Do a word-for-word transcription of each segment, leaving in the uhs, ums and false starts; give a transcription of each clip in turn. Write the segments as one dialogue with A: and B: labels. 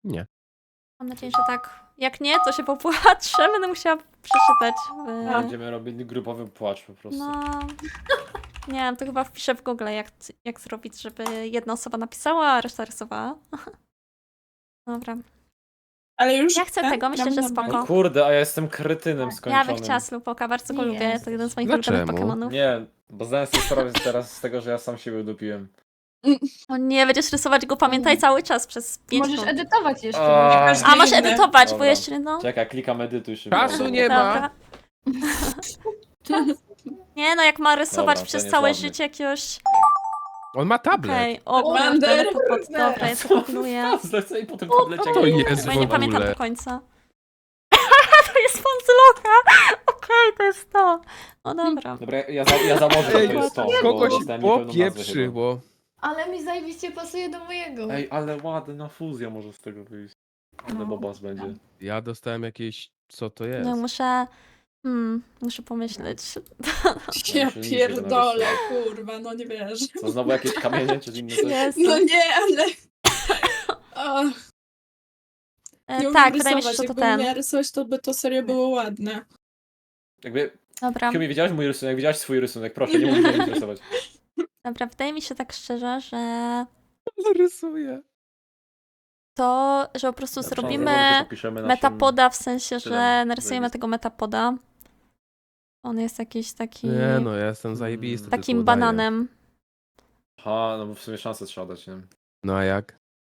A: Nie.
B: Mam nadzieję, że tak. Jak nie, to się popłaczę. Będę musiała przeczytać. W...
C: Będziemy robili grupowy płacz po prostu.
B: No. Nie wiem, to chyba wpiszę w Google, jak, jak zrobić, żeby jedna osoba napisała, a reszta rysowała. Dobra.
D: Ale już
B: Ja chcę
D: tak?
B: tego, myślę,
D: Gramy
B: że
D: normalnie?
B: spoko.
C: O kurde, a ja jestem kretynem
B: Ja
C: skończonym.
B: bym chciała Slowpoke'a, bardzo go
E: Nie
B: lubię.
E: jest.
B: To jeden z moich
A: Dlaczego?
B: ulubionych Pokemonów.
C: Nie, bo zdałem sobie sprawę teraz z tego, że ja sam siebie udupiłem.
B: O nie, będziesz rysować go, pamiętaj, cały czas przez pięć
E: Możesz
B: minut.
E: edytować jeszcze.
C: A,
E: możesz-
B: A, masz
D: Inne.
B: edytować, bo
C: Dobra.
B: jeszcze no.
C: Czekaj, klikam edytuj szybko.
A: Czasu nie ma.
B: Dobra. Nie no, jak ma rysować
C: Dobra,
B: przez
C: ten jest
B: całe
C: ładny.
B: życie jakiegoś...
A: On ma tablet.
B: Okej, o
D: Wander.
B: kurde, to pod... Dobra, ja to kombinuję.
C: Zlecę i potem tablecie.
A: To jest
B: Bo
A: w
B: ja nie pamiętam
A: ogóle.
B: do końca. To jest Fonzyloka! Okej, to jest to. No dobra.
C: Dobra, ja, za, ja założę, że
A: Ej,
C: to jest to.
A: Kogoś
C: bo zdałem niepełną nazwę chyba.
A: popieprzyło.
E: Ale mi zajebiście pasuje do mojego.
C: Ej, ale ładna fuzja może z tego wyjść. Ale
E: No.
C: bobas będzie.
A: Ja dostałem jakieś... Co to jest?
B: No muszę... Hmm, muszę pomyśleć.
D: Ja
C: Muszę niżej
D: pierdolę,
C: narysować.
D: kurwa, no nie wierzę.
C: Co, znowu jakieś kamienie czy inne coś?
B: Jest.
D: No nie, ale... O, nie
B: E,
D: umiem
B: tak, wydaje mi się,
D: rysować.
B: że to
D: Jakbym
B: ten.
D: miała rysować, to by to serio było ładne.
C: Jakby,
B: Dobra,
C: Kiumi, widziałeś mój rysunek? Widziałeś swój rysunek? Proszę, nie musisz mnie rysować.
B: dobra, wydaje mi się tak szczerze, że
A: Rysuję.
B: to, że po prostu
C: Dobrze,
B: zrobimy
C: dobrze, zapiszemy naszym-
B: metapoda w sensie, że
C: stylem
B: narysujemy
C: zajebistym.
B: tego metapoda. On jest jakiś taki...
A: Nie no, ja jestem zajebisty. tylko
B: takim
A: udaję.
B: bananem.
C: Aha, no bo w sumie szansę trzeba dać, nie?
A: No a jak?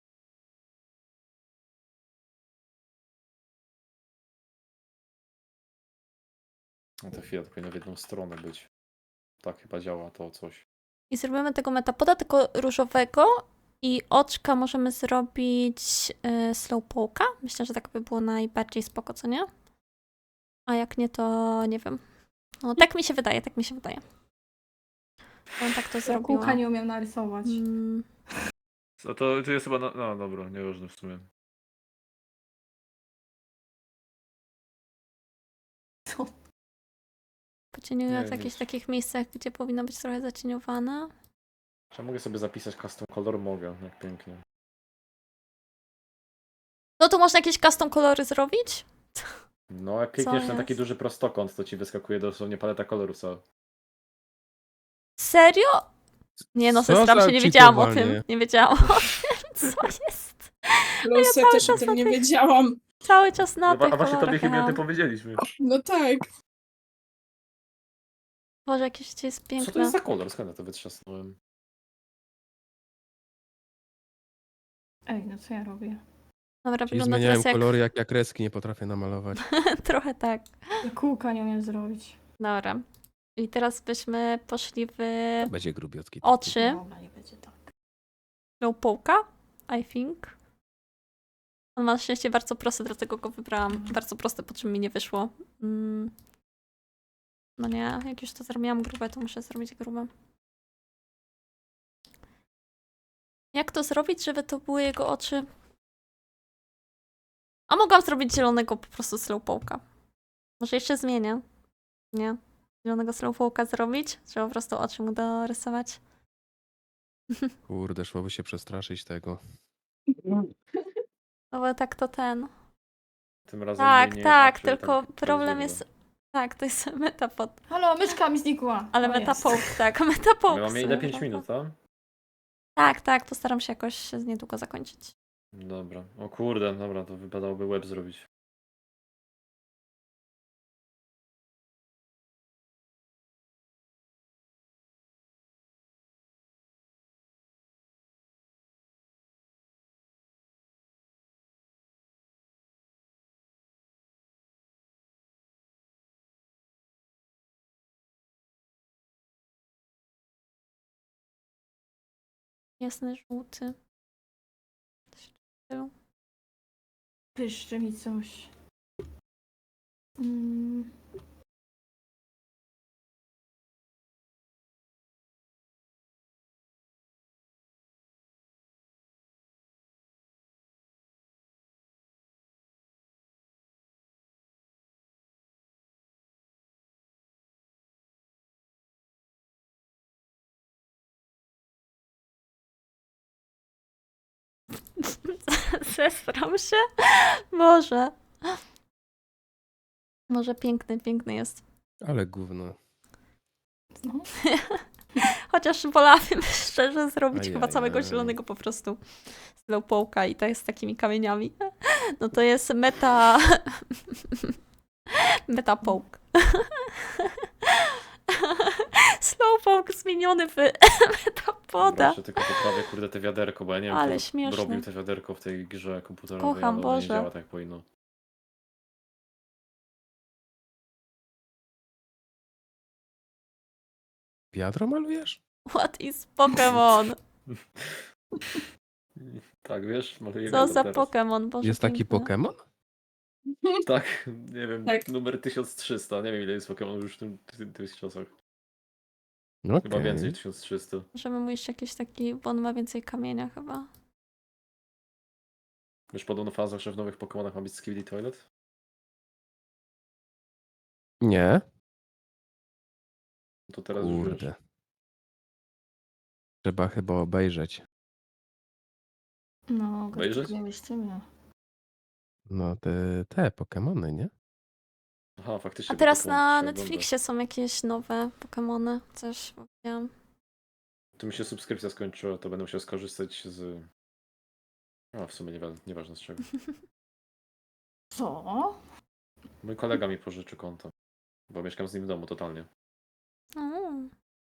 C: No to chwilę, to powinno w jedną stronę być. Tak chyba działa to coś.
B: I zrobimy tego metapoda, tylko różowego. I oczka możemy zrobić y, slowpoke'a. Myślę, że tak by było najbardziej spoko, co nie? A jak nie, to nie wiem. No tak mi się wydaje, tak mi się wydaje. On tak to
E: Ja
B: zrobiła.
E: kółka nie umiem narysować.
B: Mm,
C: No to, to jest chyba, no, no dobra, nieważne w sumie.
E: Co?
B: Pocieniuję
C: Nie
B: w
C: wiem,
B: jakichś
C: nic.
B: takich miejscach, gdzie powinno być trochę zacieniowane.
C: Czy ja mogę sobie zapisać custom color? Mogę, jak pięknie.
B: No tu można jakieś custom kolory zrobić?
C: No, jak klikniesz
B: Co
C: na taki
B: jest?
C: duży prostokąt, to ci wyskakuje dosłownie paleta kolorów cała.
B: Serio? Nie no,
A: Co
B: sestram
A: za
B: się, nie wiedziałam o
A: cheatowanie.
B: tym. Nie wiedziałam o tym, co jest.
D: Plus ja
B: cały
D: też o
B: czas
D: tym
B: na
D: nie
B: tych-
D: wiedziałam.
B: Cały czas na
C: No,
B: tych
C: a właśnie tobie
B: kolorach
C: chyba o
B: jechałam.
C: tym powiedzieliśmy.
D: No tak.
B: Boże, jakieś życie jest
C: Co to
B: piękne.
C: jest za kolor? Skąd ja to wytrzasnąłem?
E: Ej, no co ja robię?
B: Dobra,
A: Czyli
B: wygląda
A: zmieniałem
B: teraz jak...
A: kolory, jak ja kreski nie potrafię namalować.
B: Trochę tak.
E: Ja kółka nie umiem zrobić.
B: Dobra. I teraz byśmy poszli w
A: Będzie grubiotki. taki.
B: oczy
E: Dobra, nie będzie tak.
B: Slowpoke'a, I think. On ma na szczęście bardzo prosty, dlatego go wybrałam. Bardzo proste, po czym mi nie wyszło. Mm. No nie, jak już to zrobiłam grube, to muszę zrobić grube. Jak to zrobić, żeby to były jego oczy? A mogłam zrobić zielonego po prostu slowpoke'a. Może jeszcze zmienię. Nie. Zielonego slowpoke'a zrobić? Trzeba po prostu oczy mu dorysować.
A: Kurde, szłoby się przestraszyć tego.
B: No bo tak to ten.
C: Tym razem
B: Tak,
C: nie, nie
B: tak,
C: znaczy,
B: tylko
C: tak,
B: problem
C: to
B: jest... Tak, to jest metapod.
E: Halo, myszka mi znikła.
B: Ale
E: O, jest.
B: metapoke, tak, metapoke.
C: My mamy ile? pięć minut, tak?
B: Tak, tak, postaram się jakoś niedługo zakończyć.
C: Dobra. O kurde, dobra, to wypadałoby web zrobić.
B: Jasny, żółty. Coś w stylu.
E: Pyszczy mi coś. Mm.
B: Zesram się. Może. Może piękny, piękny jest.
A: Ale gówno.
E: No.
B: Chociaż wolałabym szczerze zrobić chyba całego
A: Ajajaj.
B: zielonego po prostu slowpoke'a i to jest z takimi kamieniami. No to jest meta... meta poke. Slowpoke zmieniony w metapoda.
C: Jeszcze tylko poprawię, kurde, te wiaderko, bo ja nie wiem,
B: Ale
C: kto
B: śmieszne.
C: robił te wiaderko w tej grze komputerowej,
B: Kocham,
C: ale ono nie
B: Boże.
C: działa tak jak powinno.
A: Wiadro malujesz?
B: What is Pokémon?
C: Tak, wiesz, maluję
B: Co
C: wiadro
B: za
C: teraz.
B: Pokémon? Boże,
A: Jest taki
B: piękny.
A: Pokémon?
C: Tak, nie wiem,
D: Tak.
C: numer tysiąc trzysta, nie wiem ile jest Pokémonów już w tym, w tym, tych czasach.
A: Okej.
C: Chyba więcej, tysiąc trzysta.
B: Możemy mu jeszcze jakiś taki, bo on ma więcej kamienia chyba.
C: Wiesz, podobno w fazach, że w nowych Pokémonach ma być Skibidi Toilet?
A: Nie.
C: To teraz już wiesz.
A: Kurde. Trzeba chyba obejrzeć.
E: No,
C: Obejrzeć?
E: gościmy.
A: No te, te Pokemony, nie?
C: Aha, faktycznie.
B: A teraz
C: Pokémon
B: na
C: się
B: Netflixie są jakieś nowe Pokémony. Coś wiem.
C: ogląda. Tu mi się subskrypcja skończyła, to będę musiał skorzystać z... A, w sumie niewa- nieważne z czego.
E: Co?
C: Mój kolega mi pożyczy konto, bo mieszkam z nim w domu totalnie.
B: Mm.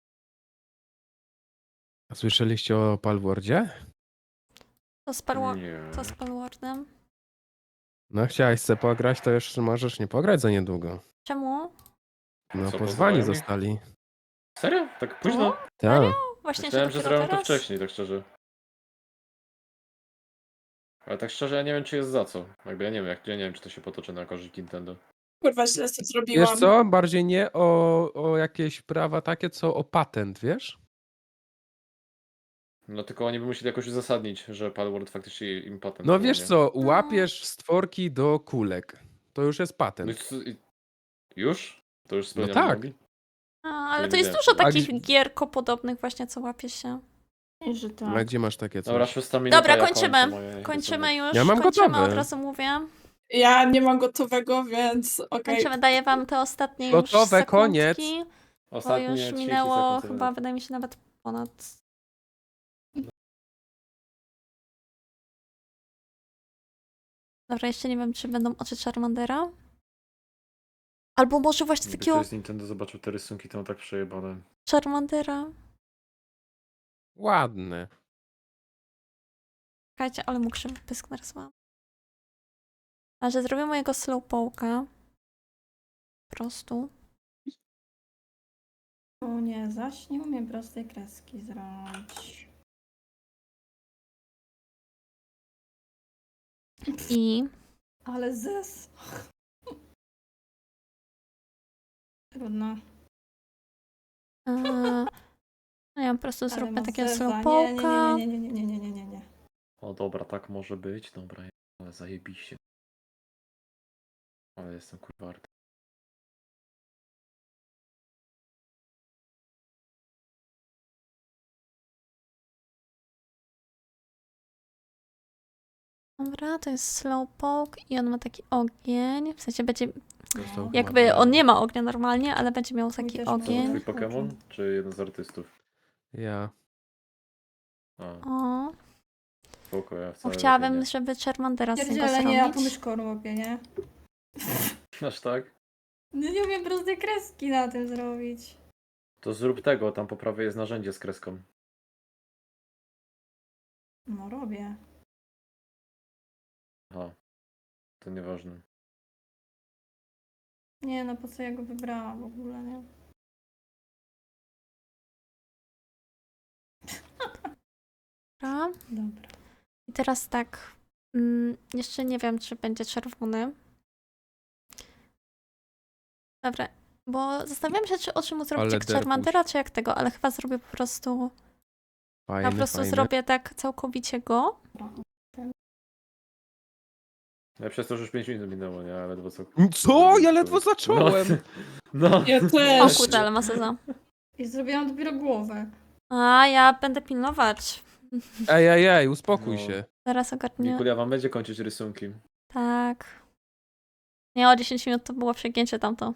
A: A słyszeliście o Palwordzie?
B: Co z, Palwa-
C: Nie.
B: co z Palwardem?
A: No chciałeś se pograć, to już możesz nie pograć za niedługo.
B: Czemu?
A: No
C: Co,
A: pozwani
C: pozwalają mi?
A: zostali.
C: Serio? Tak późno?
A: Tak.
B: Właśnie,
C: Myślałem,
B: że
C: że
B: dopiero
C: zrobią to
B: teraz?
C: wcześniej, tak szczerze. Ale tak szczerze, ja nie wiem, czy jest za co. Jakby ja nie wiem, jak, ja nie wiem, czy to się potoczy na korzyść Nintendo.
D: Kurwa, źle to zrobiłam.
A: Wiesz co? Bardziej nie o, o jakieś prawa takie, co o patent, wiesz?
C: No tylko oni by musieli jakoś uzasadnić, że Palworld faktycznie im patent.
A: No
C: było,
A: wiesz
C: nie?
A: co, łapiesz stworki do kulek. To już jest
C: No i
A: patent.
C: co- i- Już? To już
A: No
C: spełniamy
A: tak.
C: nogi?
B: A, ale
C: nie
B: to jest
C: wiedziałem.
B: dużo
A: A
B: takich
A: gdzie-
B: gierko podobnych właśnie, co łapie się.
E: I że
A: A
E: tak.
A: gdzie masz takie coś?
C: Dobra, szósta minuta.
B: Dobra,
C: ja
B: kończymy.
C: kończę moje-
B: Kończymy już.
A: Ja mam
B: kończymy,
A: gotowe.
B: od razu mówię.
D: Ja nie mam gotowego, więc okej.
B: Kończymy, daję wam te ostatnie już
A: Gotowe,
B: sekundki,
A: koniec.
B: bo
C: Ostatnie
B: już
C: trzydzieści
B: minęło
C: sekund,
B: chyba,
C: tyle.
B: wydaje mi się, nawet ponad... Dobra, jeszcze nie wiem, czy będą oczy Charmandera. Albo może właśnie
C: Gdyby
B: takiego
C: ktoś z Nintendo zobaczył te rysunki, to mam tak przejebane.
B: Charmandera.
A: Ładne.
B: Czekajcie, ale mu krzywy pysk narysowałam. A że zrobię mojego slowpoke'a. Po prostu.
E: O nie, zaś nie umiem prostej kreski zrobić.
B: I
E: Ale zes. Trudno.
B: e, no ja po prostu
E: Ale
B: zróbmy
E: ma
B: takiego
E: zeza.
B: slowpoke'a.
E: Nie, nie, nie, nie, nie, nie, nie, nie, nie.
C: O dobra, tak może być. Dobra, ale zajebiście. Ale jestem kurwa arty.
B: Dobra, to jest slowpoke i on ma taki ogień. W sensie będzie,
A: Dostał
B: jakby
A: ładnie.
B: on nie ma ognia normalnie, ale będzie miał
E: Mój
B: taki
E: też ma.
C: To był
B: ogień.
C: twój Pokémon, czy jeden z artystów?
A: Ja.
C: A,
B: O,
C: spoko, ja
B: bo
C: wcale
B: chciałabym,
C: lepiej
B: żeby Charmandera z niego
E: Pierdziele, nie, ja tu
B: zrobić.
E: myszką robię, nie?
C: nie. Aż tak?
E: No nie umiem prostej kreski na tym zrobić.
C: To zrób tego, tam po prawej jest narzędzie z kreską.
E: No robię.
C: Aha. To nieważne.
E: Nie no, po co ja go wybrałam w ogóle, nie?
B: Dobra.
E: Dobra.
B: I teraz tak. Mm, jeszcze nie wiem, czy będzie czerwony. Dobra, bo zastanawiam się, czy oczy mu zrobić
A: Ale
B: jak
A: derpuś.
B: Charmandera, czy jak tego, ale chyba zrobię po prostu.
A: Fajny,
B: Ja po prostu
A: fajny.
B: zrobię tak całkowicie go.
C: Ja przez to, że już pięć minut minęło, nie? Ja ledwo co...
A: Co? Ja ledwo zacząłem.
C: No. no.
D: Ja
B: O
D: też.
B: kurde, ale ma seza.
E: I zrobiłam dopiero głowę.
B: A ja będę pilnować.
A: Ej, ej, ej, uspokój
C: No.
A: się.
B: Zaraz ogarnię.
C: Nikulia wam będzie kończyć rysunki.
B: Tak. Nie, o dziesięć minut to było przegięcie tamto.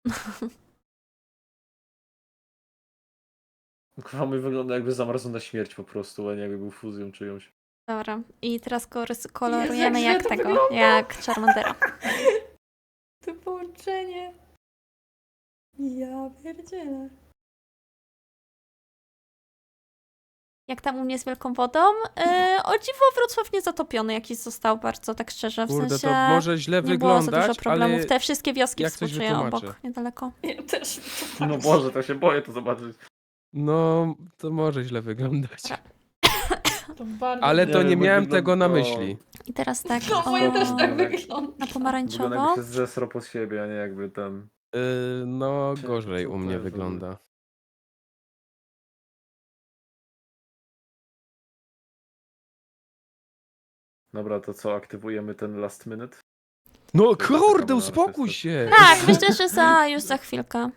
C: Kurwa, mój wygląda jakby zamarzł na śmierć po prostu, a nie jakby był fuzją czyjąś.
B: Dobra. I teraz go rys- kolorujemy
E: Jezu, jak
B: jak
E: źle to
B: tego,
E: wygląda.
B: jak Charmandera.
E: To połączenie. Ja pierdzielę.
B: Jak tam u mnie z wielką wodą? E, o dziwo Wrocław nie zatopiony jakiś został bardzo, tak szczerze. W
A: Kurde,
B: sensie
A: to może źle
B: nie było za dużo
A: wyglądać,
B: problemów.
A: ale
B: Te wszystkie wioski
A: jak coś
B: współczuję
A: wytłumaczę.
B: obok, niedaleko.
E: Ja też.
C: No Boże, to się boję to zobaczyć.
A: no, to może źle wyglądać.
E: To bardzo
A: Ale to
C: Nie
A: nie
C: wiem, jak
A: miałem tego na
C: wygląda-
A: myśli.
B: I teraz tak,
E: No
B: o,
E: moje też tak
C: O,
E: wygląda.
B: na
C: Wygląda
B: pomarańczowo.
C: jakby się zesrał pod siebie, a nie jakby ten...
A: Yy, no,
C: Czekaj,
A: gorzej
C: co
A: u
C: to
A: mnie
C: jest?
A: wygląda.
C: Dobra, to co, aktywujemy ten last minute?
A: No
C: taka
A: kurde,
C: mała
A: uspokój
C: artysta.
A: się!
B: Tak, myślę, że za, już za chwilkę.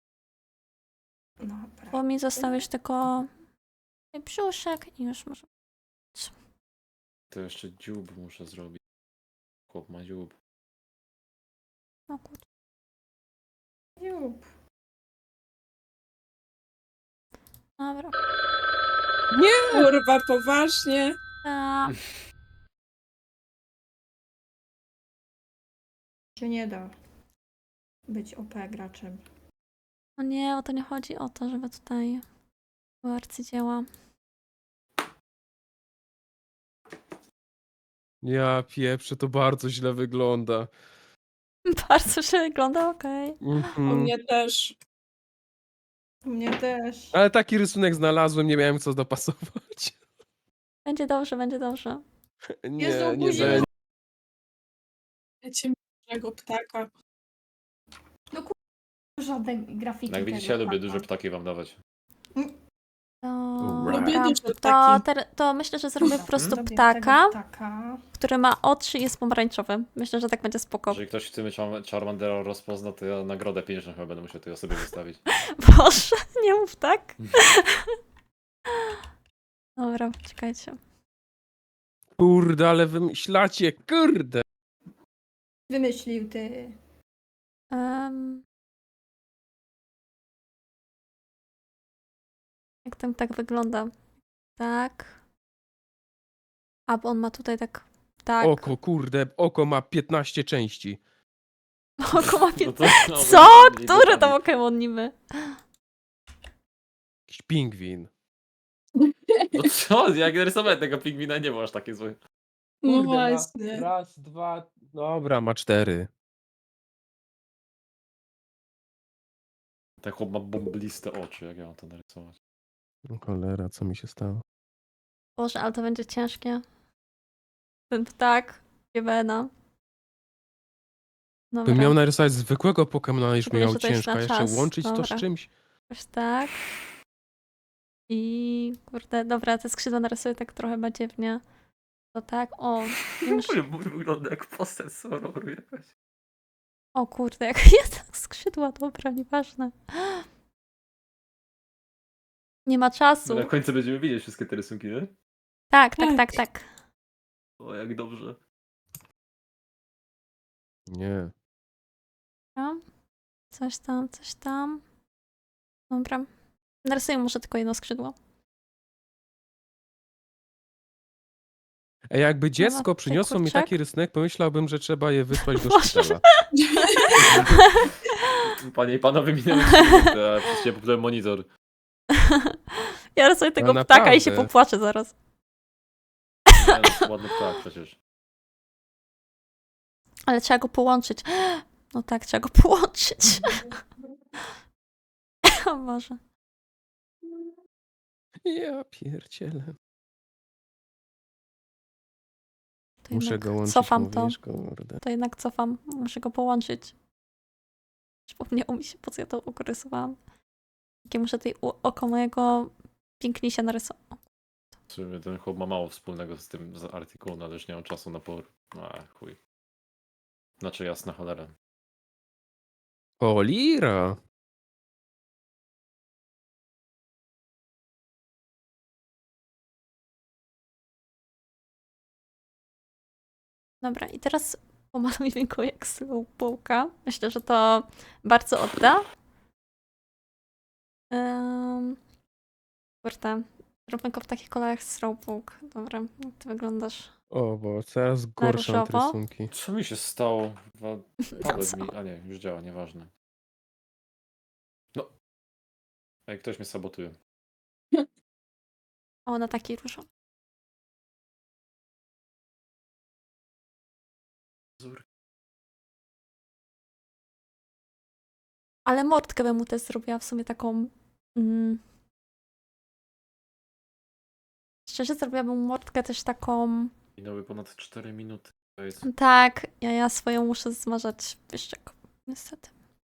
E: Dobra.
B: Bo mi został już tylko brzuszek i już może...
C: To jeszcze dziób muszę zrobić. Chłop ma dziób.
B: O kurczę.
E: Jup.
B: Dobra.
D: Kurwa, poważnie.
B: A,
E: Się nie da być O P graczem.
B: no nie, o to nie chodzi o to, żeby tutaj były arcydzieła.
A: Ja pieprzę, to bardzo źle wygląda.
B: Bardzo się wygląda, okej.
D: U
A: Mhm.
D: mnie też.
E: U mnie też.
A: Ale taki rysunek znalazłem, nie miałem co dopasować.
B: Będzie dobrze, będzie dobrze.
A: Nie,
E: Jezu,
A: nie
E: buzi-
A: będzie.
D: Wiecie, dużego ptaka.
E: Żadnej grafiki.
C: No jak widzicie,
E: tego
C: ja lubię
E: ptaka.
C: duże ptaki wam dawać.
B: To,
A: Right.
D: Lubię
B: dobra.
D: duże
B: to,
D: ptaki.
B: ter- to myślę, że zrobię po prostu
E: Zrobię
B: ptaka,
E: tego ptaka.
B: który ma oczy i jest pomarańczowy. Myślę, że tak będzie spoko.
C: Jeżeli ktoś w tym Char- Charmandera rozpozna, to ja nagrodę pieniężną chyba będę musiał tej osobie wystawić.
B: Boże, nie mów tak. Dobra, czekajcie.
A: Kurde, ale wymyślacie, kurde.
E: Wymyślił ty.
B: Um, jak ten tak wygląda? Tak. A, bo on ma tutaj tak... Tak.
A: Oko, kurde, oko ma piętnaście części.
B: Oko ma
C: No
B: pię...
C: to, no,
B: Co?
C: to-
B: Który to Pokémon niby?
A: Jakiś pingwin.
C: No co? Jak rysowałem tego pingwina, nie było aż takie złe.
D: No
A: Kurde, ma
D: właśnie.
A: raz, dwa, dobra, ma cztery.
C: Ten chłop ma bombliste oczy, jak ja mam to narysować.
A: O cholera, co mi się stało?
B: Boże, ale to będzie ciężkie. Ten ptak, Giewena.
A: Bym
B: Dobra,
A: miał narysować zwykłego Pokemona, już mi
B: Szczególnie,
A: miał
B: że to jest
A: ciężko,
B: na
A: a jeszcze
B: czas.
A: łączyć to z
B: Dobra.
A: czymś?
B: już tak. I kurde, dobra, te skrzydła narysuję tak trochę badziewnie. To tak, o. Wiem, że...
C: Mój wygląda jak postać z horroru jakaś.
B: O kurde, jak jest skrzydła, dobra, nieważne. Nie ma czasu.
C: Na końcu będziemy widzieć wszystkie te rysunki, nie?
B: Tak, tak, tak, tak.
C: O, jak dobrze.
A: Nie.
B: Dobra. Coś tam, coś tam. Dobra. Narysuję może tylko jedno skrzydło.
A: Ej, jakby dziecko
B: ty
A: przyniosło mi
B: kurczak.
A: taki rysunek, pomyślałem, że trzeba je wysłać do
B: Boże.
A: szpitala.
C: Panie i panowie, minęły trzy minuty, a przecież ja popsułem monitor.
B: Ja rysuję tego
A: No
B: ptaka i się
A: naprawdę.
B: popłaczę zaraz.
C: Nie, no, to ładny ptak przecież.
B: Ale trzeba go połączyć. No tak, trzeba go połączyć. O Boże.
A: Ja pierdzielę.
B: To
A: Muszę
B: jednak
A: go łączyć,
B: cofam to.
A: mówisz, kurde.
B: To jednak cofam. Muszę go połączyć. Przypomniało mi się, po co ja to urysowałam. Jakie muszę tutaj u- oko mojego pięknisia narysować.
C: W sumie ten chłop ma mało wspólnego z tym z artykułem, ale już nie mam czasu na por. A, chuj. Znaczy jasna cholera.
A: O, lira!
B: Dobra, i teraz pomalujmy go jak slowpoke'a. Myślę, że to bardzo odda. Um, kurde, róbmy go w takich kolorach slowpoke. Dobra, jak ty wyglądasz?
A: O, bo coraz gorsze mam te
B: różowo?
A: rysunki.
C: Co mi się stało? Wa-
B: No
C: Tablet
B: co?
C: mi... A nie, już działa, nieważne. No. Ej, ktoś mnie sabotuje.
B: O, na taki różowy.
C: Zur.
B: Ale mordkę bym mu też zrobiła w sumie taką... Mm, szczerze zrobiłabym mordkę też taką...
C: Minęły ponad cztery minuty. To jest...
B: Tak, ja, ja swoją muszę zmarzać wyszczek. Niestety.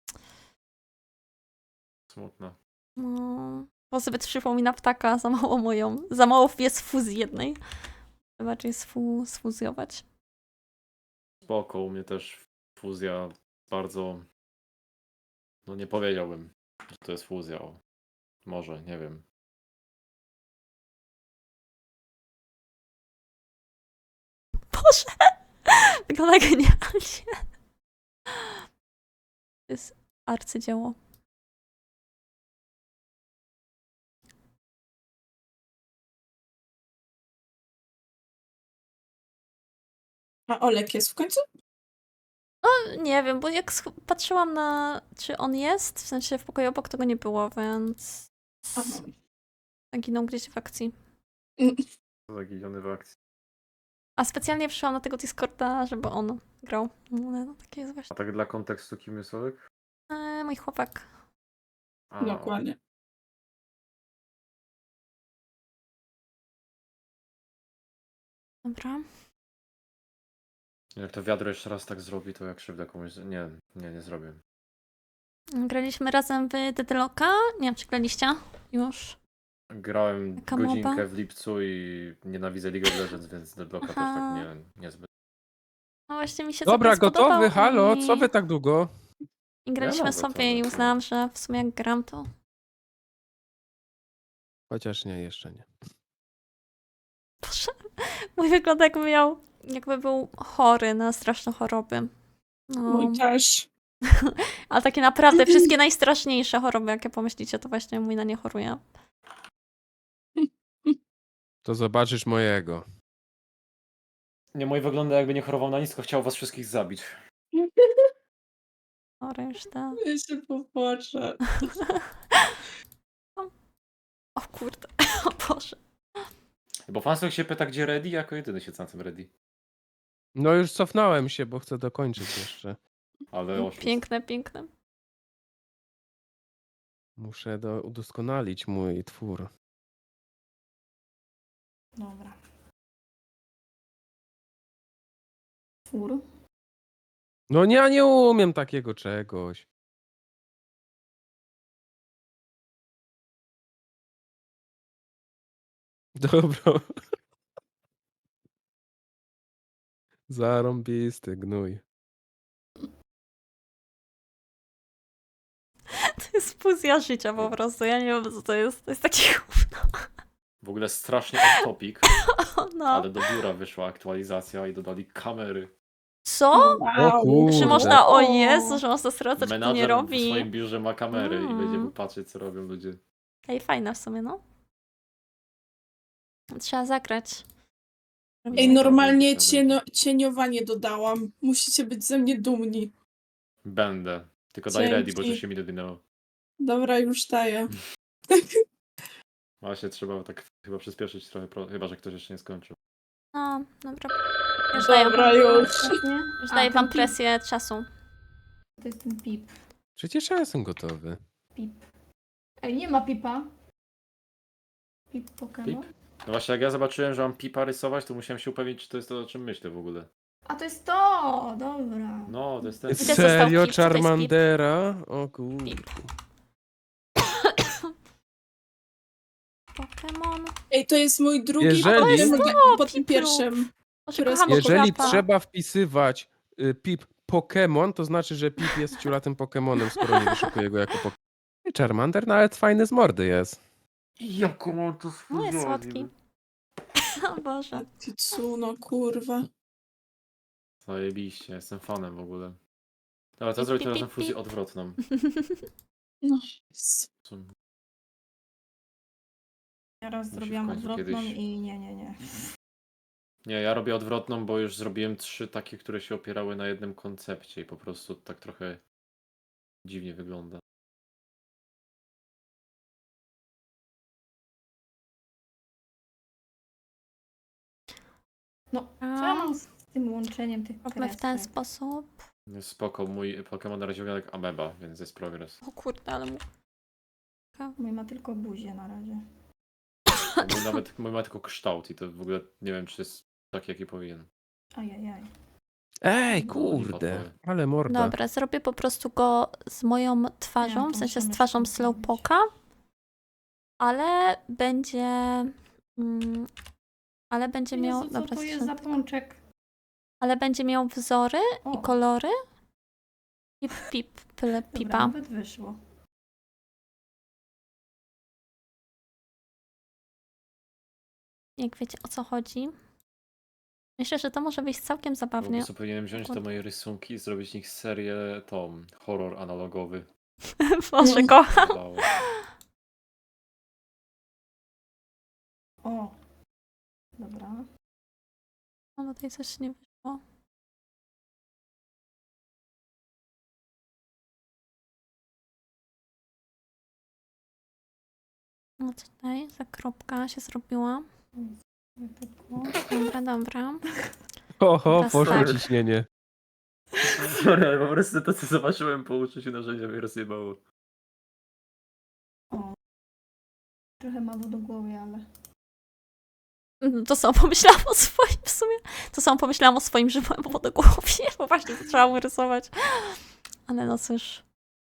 C: Smutne.
B: No, bo zbyt przypomina ptaka, za mało moją. Za mało jest fuzji jednej. Trzeba bardziej sfu, sfuzjować.
C: Spoko, u mnie też fuzja bardzo... No nie powiedziałbym, że to jest fuzja. O, może, nie wiem.
B: Boże! Wygląda genialnie. To jest arcydzieło.
D: A Olek jest w końcu?
B: No, nie wiem, bo jak sch- patrzyłam na, czy on jest, w sensie w pokoju obok, to go nie było, więc
D: Aha.
B: zaginął gdzieś w akcji.
C: Zaginiony w akcji.
B: A specjalnie przyszłam na tego Discorda, żeby on grał. No, no takie jest
C: A
B: właśnie.
C: tak dla kontekstu, kim jest Olek?
B: E, mój chłopak.
C: A,
D: Dokładnie.
B: Dobra.
C: Jak to wiadro jeszcze raz tak zrobi, to jak krzywdę komuś... z- Nie, nie, nie zrobię.
B: Graliśmy razem w Deadlocka. Nie wiem, czy graliście już.
C: Grałem
B: Jaka
C: godzinkę
B: moba?
C: w lipcu i nienawidzę League of Legends, więc Deadlocka też
B: Aha.
C: tak nie, niezbyt.
B: No właśnie mi się
A: Dobra,
B: całkiem spodobał
A: gotowy? Halo,
B: i...
A: co wy tak długo?
B: I graliśmy
C: Ja
B: sobie
C: gotowy,
B: i
C: no.
B: uznałam, że w sumie jak gram, to...
A: Chociaż nie, jeszcze nie.
B: Boże, mój wygląda jakby miał... Jakby był chory na straszne choroby. No.
D: Mój też.
B: Ale takie naprawdę wszystkie najstraszniejsze choroby, jakie pomyślicie, to właśnie mój na nie choruje.
A: To zobaczysz mojego.
C: Nie, mój wygląda jakby nie chorował na nic, tylko chciał was wszystkich zabić.
B: O, reszta.
D: Ja się popłaczę.
B: O kurde, o Boże.
C: Bo fansok się pyta, gdzie Ready, jako jedyny siedzę na tym Ready.
A: No już cofnąłem się, bo chcę dokończyć jeszcze.
C: Ale oszust.
B: Piękne, piękne.
A: Muszę do, udoskonalić mój twór.
E: Dobra. Fur.
A: No nie, ja nie umiem takiego czegoś. Dobra. Zarąbisty gnój.
B: To jest fuzja życia po prostu. Ja nie wiem, co to jest. To jest taki gówno.
C: W ogóle strasznie off topic,
B: O, no.
C: ale do biura wyszła aktualizacja i dodali kamery.
B: Co?
A: O
D: Wow.
A: kurde.
B: Czy można... O Jezu, że można sprawdzać, kto nie
C: Menadżer w
B: robi.
C: swoim biurze ma kamery i
B: Mm.
C: będzie patrzeć, co robią ludzie.
B: Ej, fajne w sumie, no. Trzeba zagrać.
D: Ej, normalnie cienio, cieniowanie dodałam. Musicie być ze mnie dumni.
C: Będę. Tylko daj Ready, bo
D: Dzięki.
C: że się mi dodynęło.
D: Dobra, już daję.
C: Właśnie trzeba tak chyba przyspieszyć trochę, pro- chyba że ktoś jeszcze nie skończył.
B: No, dobra. Już daję,
D: Dobra, już.
E: Ostatnie?
B: już
E: A,
B: daję
E: ten
B: wam
E: pip.
B: presję czasu.
E: To jest ten pip.
A: Przecież ja jestem gotowy.
E: Pip. Ej, nie ma pipa. Pip Pokémon.
C: No właśnie, jak ja zobaczyłem, że mam pipa rysować, to musiałem się upewnić, czy to jest to, o czym myślę w ogóle.
E: A to jest to! Dobra.
C: No, to jest ten...
B: to został
A: Serio,
B: Pip? Co to jest Pip?
A: Charmandera? O kurde.
B: Pip. Pokémon.
D: Ej, to jest mój drugi
A: Jeżeli-
D: po
A: To jest
D: tym,
B: to,
D: po tym
B: Piplup.
D: pierwszym.
B: Może
D: Które
B: kocham
D: jest-
A: Jeżeli
B: Papa.
A: trzeba wpisywać y, Pip Pokémon, to znaczy, że Pip jest ciulatym Pokémonem, skoro nie wyszukuje go jako Pokémon. Charmander nawet fajny z mordy jest.
C: Jaką mam to
B: No jest słodki. O Boże.
D: Kitsuno, kurwa.
C: Zajebiście, jestem fanem w ogóle. Dobra, to
B: Pip,
C: zrobię
B: pip,
C: teraz na
B: pip,
C: fuzję
B: pip.
C: odwrotną.
D: No, Jezu.
C: Co-
E: Ja raz
C: Musi w
E: zrobiłam
C: końcu
E: odwrotną
C: kiedyś-
E: i nie, nie, nie.
C: Nie, ja robię odwrotną, bo już zrobiłem trzy takie, które się opierały na jednym koncepcie i po prostu tak trochę dziwnie wygląda.
E: No, co ja mam z tym łączeniem tych
B: Róbmy w ten
E: kresek?
B: sposób.
C: No spoko, mój Pokémon na razie wygląda jak ameba, więc jest progres.
B: O kurde, ale mu...
E: Mój ma tylko buzię na razie.
C: Mój nawet mój ma tylko kształt i to w ogóle nie wiem, czy jest taki, jaki powinien.
E: Ajajaj.
A: Ej,
C: No,
A: kurde,
C: lipa
A: ale morda.
B: Dobra, zrobię po prostu go z moją twarzą,
E: Ja
B: w sensie z
E: muszę
B: twarzą
E: myszką zrobić.
B: Slowpoka, ale będzie... Mm, ale będzie miał...
E: Jezu, co
B: dobra,
E: to jest za pączek?
B: ale będzie miał wzory
E: O,
B: i kolory. Pip, pip, pyle,
E: dobra,
B: pipa.
E: nawet wyszło.
B: Jak wiecie, o co chodzi. Myślę, że to może być całkiem
C: Po
B: zabawnie.
C: prostu powinienem wziąć te moje rysunki i zrobić z nich serię tą, horror analogowy.
B: Boże, kocham.
C: Wydawało.
E: O. Dobra.
B: No tutaj coś nie wyszło. No co tutaj? Za kropka się zrobiła.
E: Wypukło.
B: Dobra, dobra.
A: Oho,
B: Teraz
A: poszło
B: tak.
A: ciśnienie.
C: Sorry, ale po prostu to, co zobaczyłem po użyciu narzędzia, mnie rozjebało.
E: O. Trochę mało do głowy, ale...
B: Mm, To samo pomyślałam o swoim w sumie. To samo pomyślałam o swoim, że byłem po głowie, bo właśnie zaczęłam rysować. Ale no cóż.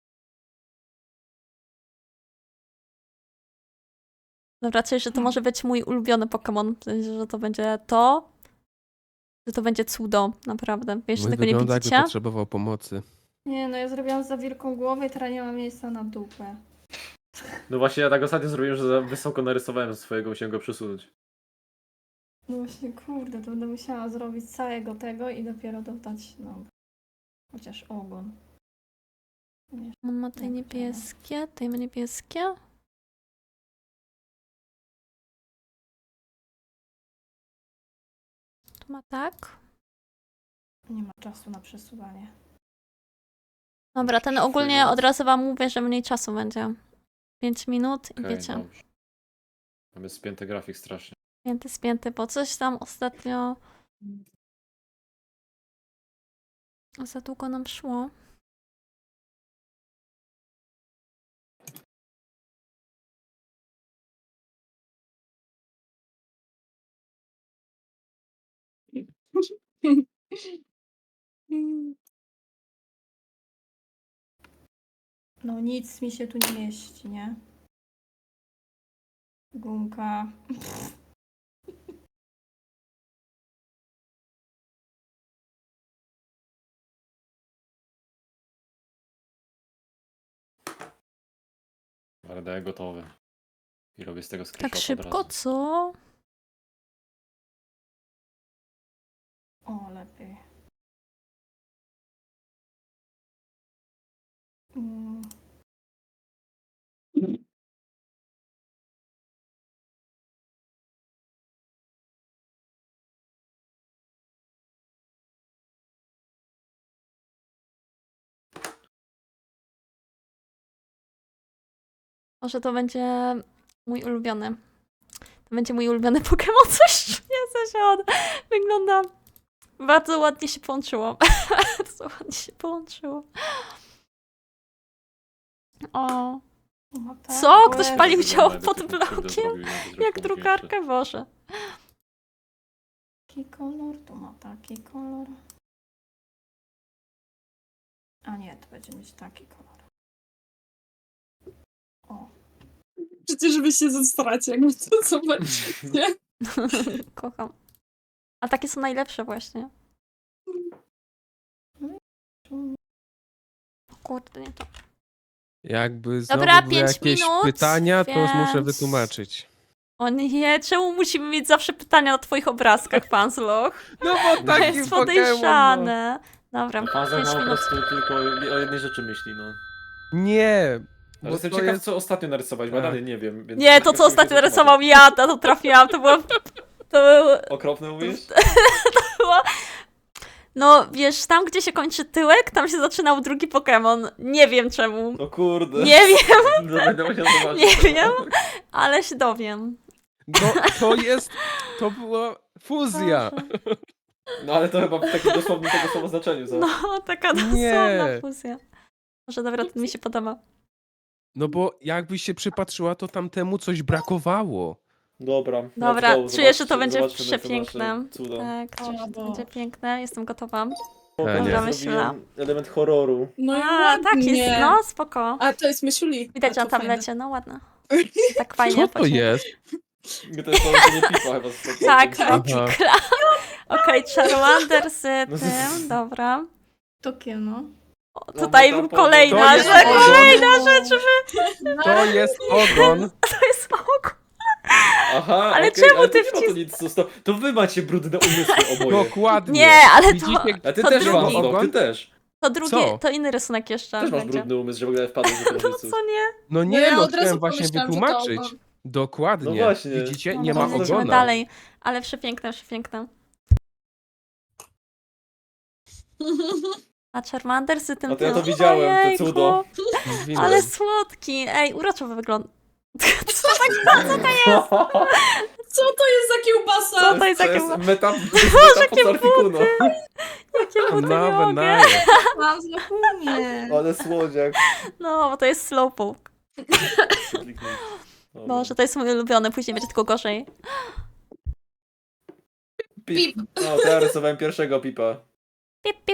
B: Dobra, czyli, że to może być mój ulubiony Pokémon. W sensie, że to będzie to. Że to będzie cudo, naprawdę. Wiesz,
A: Mój
B: tego nie
A: wygląda, jakby
B: widzicie?
A: potrzebował pomocy.
E: Nie, no ja zrobiłam za wielką głowę i teraz nie ma miejsca na dupę.
C: No właśnie, ja tak ostatnio zrobiłem, że za wysoko narysowałem swojego, musiałem go przesunąć.
E: No właśnie, kurde, to będę musiała zrobić całego tego i dopiero dodać, no... Chociaż ogon. Nie.
B: On ma te
E: Jak
B: niebieskie, tutaj ma niebieskie. Tu ma tak.
E: Nie ma czasu na przesuwanie.
B: Dobra, ten ogólnie od razu wam mówię, że mniej czasu będzie. pięć minut i
C: Okej,
B: wiecie.
C: dobrze. Mamy spięty grafik strasznie.
B: Spięty, spięty, bo coś tam ostatnio za długo nam szło.
E: No nic mi się tu nie mieści, nie? Gumka.
C: R D gotowy. I robię z tego
B: Tak
C: screenshot od
B: szybko,
C: razu.
B: co?
E: O, lepiej. Mm.
B: Może to będzie mój ulubiony. To będzie mój ulubiony Pokémon. Coś nie się on wygląda. Bardzo ładnie się połączyło. Bardzo ładnie się połączyło. O.
E: No tak,
B: Co?
E: bo
B: Ktoś
E: ja-
B: palił
C: Wygląda,
B: ciało
C: jakby
B: pod
C: ktoś mu krzywdę
B: blokiem?
C: zrobił i miał to zrobić
B: Jak
C: komuś
B: drukarkę, Boże.
E: Taki kolor, tu ma taki kolor. A nie, to będzie mieć taki kolor. O,
D: Przecież wy się zestracie, jak to zobaczycie.
B: Kocham. A takie są najlepsze właśnie.
E: tu
B: O kurde, nie to.
A: Jakby znowu
B: Dobra,
A: były
B: pięć
A: jakieś
B: minut,
A: pytania, to już muszę
B: więc-
A: wytłumaczyć.
B: O nie, czemu musimy mieć zawsze pytania na twoich obrazkach, Fansloch?
A: No bo
B: To
A: taki
B: jest
A: Pokémon, no.
B: podejrzane. Dobra,
C: No, Pan
B: pięć
C: po
B: minut.
C: prostu tylko o jednej rzeczy myśli, no.
A: Nie,
C: Ale
A: bo
C: jestem
A: to
C: ciekaw,
A: jest...
C: co ostatnio narysować, bo ja
A: Tak.
C: dalej nie wiem. Więc
B: Nie, to
C: chcę
B: co
C: mi się
B: ostatnio
C: wytłumaczyć.
B: narysował ja, na to trafiłam, to było... To było...
C: Okropne mówisz?
B: No, wiesz, tam gdzie się kończy tyłek, tam się zaczynał drugi Pokémon. Nie wiem czemu.
C: No kurde.
B: Nie wiem,
C: No, będę musiał zobaczyć.
B: nie wiem, ale się dowiem.
A: No to jest... To była fuzja.
B: Boże.
C: No ale to chyba w takim dosłownym tego słowa znaczeniu, co?
B: No, taka dosłowna
A: Nie.
B: fuzja. Może dobra, to mi się podoba.
A: No bo jakbyś się przypatrzyła, to tamtemu coś brakowało.
C: Dobra. let's
B: Dobra,
C: go,
B: czuję, że to
C: zobaczcie-
B: będzie
C: zobaczmy te
B: przepiękne.
C: nasze cuda.
B: Tak,
D: O
B: czuję, że to
D: Boże.
B: będzie piękne. Jestem gotowa.
C: O,
A: E,
C: ja
A: nie.
C: zrobiłem
B: Myślałam.
C: element horroru.
D: No i
B: A, tak
D: ładnie.
B: jest, no spoko.
D: A, to jest Mysiuli.
B: Widać
D: A,
B: na
D: to fajne.
B: tablecie, no ładne. Tak fajnie.
A: Co to
B: właśnie.
A: jest?
C: To jest połączenie pipa chyba z z-
B: Tak,
C: z-
A: Aha.
B: Kikla. Okej, Charmander z
C: No z-
B: tym, dobra.
E: Takie no.
B: O,
C: No,
B: tutaj
C: bo tam
B: był
C: po-
B: kolejna
A: To jest
B: rzecz,
A: ogon.
B: kolejna rzecz,
A: To jest ogon.
B: to jest oko.
C: Aha,
B: Ale
C: okej,
B: czemu
C: ale
B: ty
C: to nie ma to nic zostało. To wy macie brudne umysły oboje.
A: Dokładnie.
B: Nie, ale to,
A: Widzicie,
C: A ty
B: to
C: też,
B: drugi.
C: Wąsno, ty
A: Ogon?
C: też.
B: to drugie,
A: Co?
B: to inny rysunek jeszcze
C: Też masz
B: będzie.
C: brudny umysł, że w ogóle wpadłeś do tego
B: No
C: umysłu.
B: co nie?
A: No
D: No
A: nie,
D: ja
A: no
D: od razu
A: chciałem właśnie
D: pomyślałam, że to
A: wytłumaczyć.
D: ogon.
A: Dokładnie.
C: No właśnie.
A: Widzicie,
B: No
A: nie
B: to
A: ma
B: lecimy
A: ogona.
B: dalej, ale przepiękne, przepiękne. A Charmander z tym
C: A to ja to
B: tym-
C: widziałem, to
B: Ojejku,
C: cudo.
A: Mówiłem.
B: Ale słodki. Ej, uroczo wygląda. Co
D: Co to jest za kiełbasa?
B: Co to jest
C: To
B: takie...
C: jest meta, meta pod Articuno.
B: Jakie buty, nie
A: Nowe
B: mogę.
A: naje.
E: Mam zachumie.
C: Ale słodziak.
B: No, bo to jest Slowpoke.
C: Dobra.
B: Boże, to jest mój ulubiony, później będzie tylko gorzej.
C: Pip. No, to ja rysowałem pierwszego pipa.
B: Pip, pip.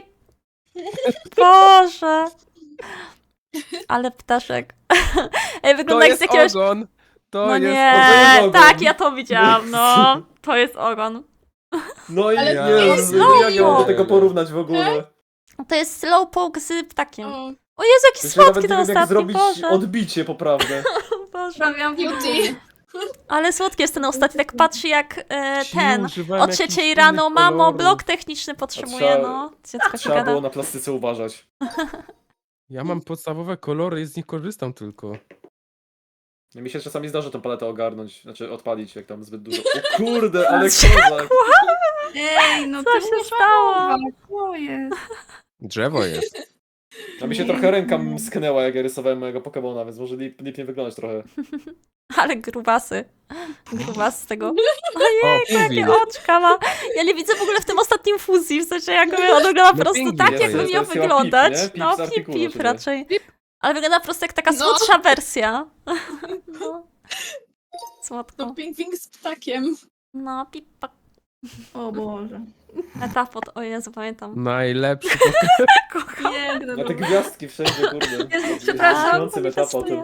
B: Boże. Ale ptaszek. Ej,
A: To
B: wygląda jak
A: jest
B: z jakiegoś...
A: ogon. To
B: No
A: jest
B: nie,
C: to jest ogon.
B: tak, ja to widziałam, no. To jest ogon.
C: No i
D: Ale
C: nie,
D: to
C: nie,
D: jest
C: nie, jak ja mam do
B: Slowpoke.
C: tego porównać w ogóle.
B: To jest Slowpoke z ptakiem.
D: O,
B: O Jezu, jaki
C: Jeszcze nawet
B: słodki
C: nie
B: ten
C: wiem, jak
B: ostatni,
C: zrobić
B: Boże.
C: odbicie poprawne.
B: Boże.
E: Sprawiam
D: Beauty.
B: Ale słodki jest ten ostatni, tak patrzy jak e,
A: Ci
B: ten.
A: używałem
B: O
A: jakichś
B: trzeciej
A: innych
B: rano, mamo,
A: kolorów.
B: blok techniczny potrzebuję,
C: trzeba-
B: no. Dziecko się
C: Trzeba
B: gada.
C: było na plastyce uważać.
A: Ja mam podstawowe kolory i z nich korzystam tylko.
C: No, mi się czasami zdarza tę paletę ogarnąć, znaczy odpalić, jak tam zbyt dużo. O kurde, ale kozak.
E: Ej, no
B: Co
E: ty
B: się
E: musisz
B: stało?
E: szanować, Co jest?
A: Drzewo jest.
C: A mi się trochę ręka sknęła, jak ja rysowałem mojego Pokemona, więc może lip, lipnie wyglądać trochę.
B: Ale grubasy. Grubas z tego.
A: O,
B: Jakie
A: pingwin.
B: oczka ma. Ja nie widzę w ogóle w tym ostatnim fuzji, w sensie jakby on wygląda po
A: No
B: prostu
A: pingwin
B: tak,
A: to
B: jakby
A: jest,
B: miał
C: to jest chyba
B: wyglądać.
C: Pip, nie? Pip
B: No,
C: z
B: pip,
C: artykułu,
B: pip
C: czy nie?
B: raczej. Ale wygląda po prostu jak taka
D: No.
B: słodsza wersja. No. Słodko.
D: to ping-ping z ptakiem.
B: No, pip, pak.
E: O Boże.
B: Metafot, o Jezu, pamiętam.
A: Najlepszy
B: Kocham.
E: Piękne
C: Na
E: to
C: te
E: było.
C: gwiazdki wszędzie, kurde.
E: Jezu, przepraszam,
C: Śniący
B: to mi
C: metapod.
B: pasuje.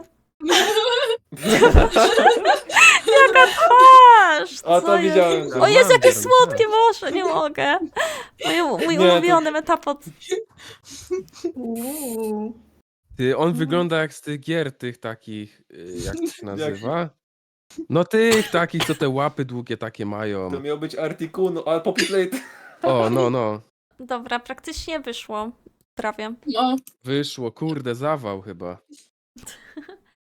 B: Jaka twarz!
C: A
B: co
C: to
B: jest?
C: widziałem.
B: O Jezu, jakie
A: Charmander,
B: słodkie, Boże, nie mogę. Mój, mój
C: Nie, to-
B: ulubiony metapod.
E: Uuu.
A: Ty, on wygląda jak z tych gier tych takich, y, jak to się nazywa? No tych takich, co te łapy długie takie mają.
C: To miał być Articuno, ale Popitlate.
A: O, no, no.
B: Dobra, praktycznie wyszło. Prawie.
D: No,
A: Wyszło, kurde, zawał chyba.